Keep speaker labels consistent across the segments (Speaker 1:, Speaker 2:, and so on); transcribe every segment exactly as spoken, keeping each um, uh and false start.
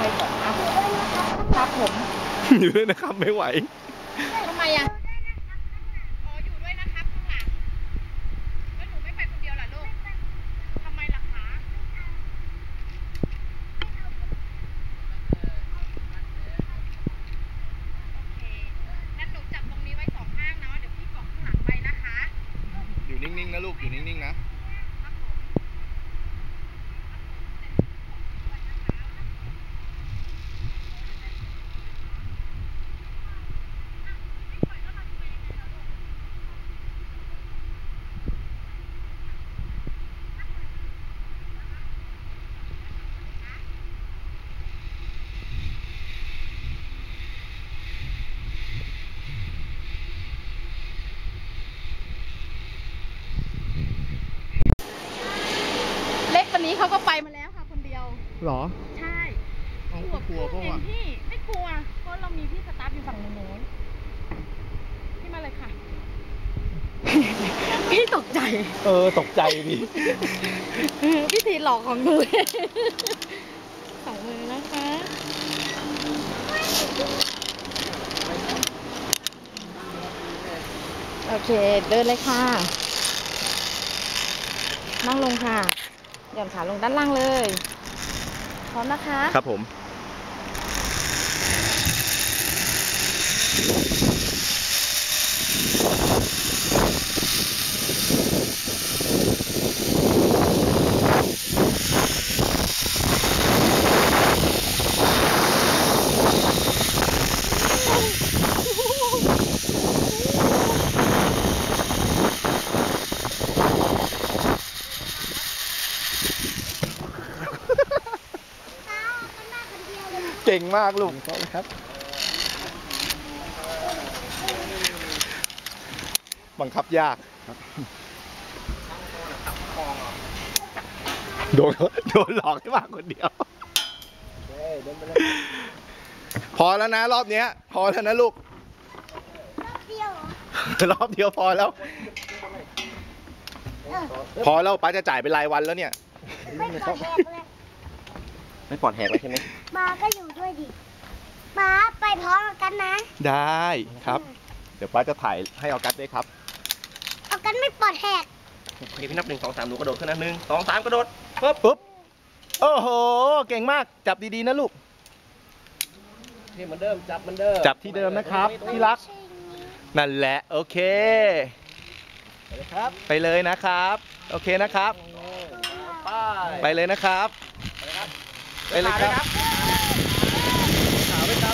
Speaker 1: ก่อนครับครับผม
Speaker 2: อยู่ด้วยนะครับไม่ไหว
Speaker 1: ทำไมอ่ะอ๋ออยู่ด้วยนะครับข้างหลังแล้วหนูไม่ไปคนเดียวล่ะลูกทำไมล่ะคะโอเคงั้นหนูจับตรงนี้ไว้สองข้างเนาะเดี๋ยวพี่เกาะข้างหลังไปนะคะ
Speaker 2: อยู่นิ่งๆนะลูกอยู่นิ่งๆนะ
Speaker 1: เล็กคนนี้เขาก็ไปมาแล้วค่ะคนเดียว
Speaker 2: หรอ
Speaker 1: ใช่
Speaker 2: เอากลัวเพราะว่า
Speaker 1: พี่ไม่กลัวเพราะเรามีพี่สตาฟอยู่ฝั่งโน้นพี่มาเลยค่ะพี่ตกใจ
Speaker 2: เออตกใจดิ
Speaker 1: พี่ทีหลอกของหนูสองมือนะคะโอเคเดินเลยค่ะนั่งลงค่ะหย่อนขาลงด้านล่างเลยพร้อมนะคะ
Speaker 2: ครับผมเก่งมากลูกครับบังคับยากโดนโดนหลอกให้มาคนเดียวพอแล้วนะรอบเนี้ยพอแล้วนะลูกรอบเดียวพอแล้วพอแล้วป้าจะจ่ายเป็นรายวันแล้วเนี่ย
Speaker 3: ไม่ปลอดแหกเลย
Speaker 2: ไม่ปลอดแหกเลยใช่ไหม
Speaker 3: มาก็อยู่ด้วยดิมาไปพร้อมกันนะ
Speaker 2: ได้ครับเดี๋ยวป้าจะถ่ายให้ออกัสด้วยครับ
Speaker 3: เอากันไม่ปลอดแหก
Speaker 2: โอเคพี่นับหนึ่งสองสามหนูกระโดดขึ้นนะหนึ่งสองสามกระโดดปุ๊บปุ๊บโอ้โหเก่งมากจับดีๆนะลูก
Speaker 4: ที่เหมือนเดิมจับเหมือนเดิม
Speaker 2: จับที่เดิมนะครับที่รักนั่นแหละโอเคไปเลยนะครับโอเคนะครับไปเลยนะครับไปเลยครับขาวไปครับ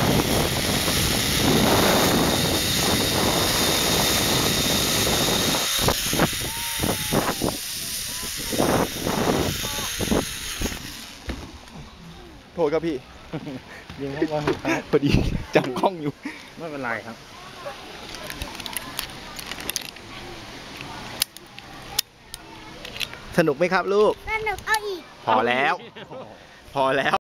Speaker 2: โทษครับพี่
Speaker 4: ยิงเข้ามา
Speaker 2: พอดีจับกล้องอยู่
Speaker 4: ไม่เป็นไรครับ
Speaker 2: สนุกไหมครับลูก
Speaker 3: สนุกเอาอีก
Speaker 2: พอแล้วพอแล้ว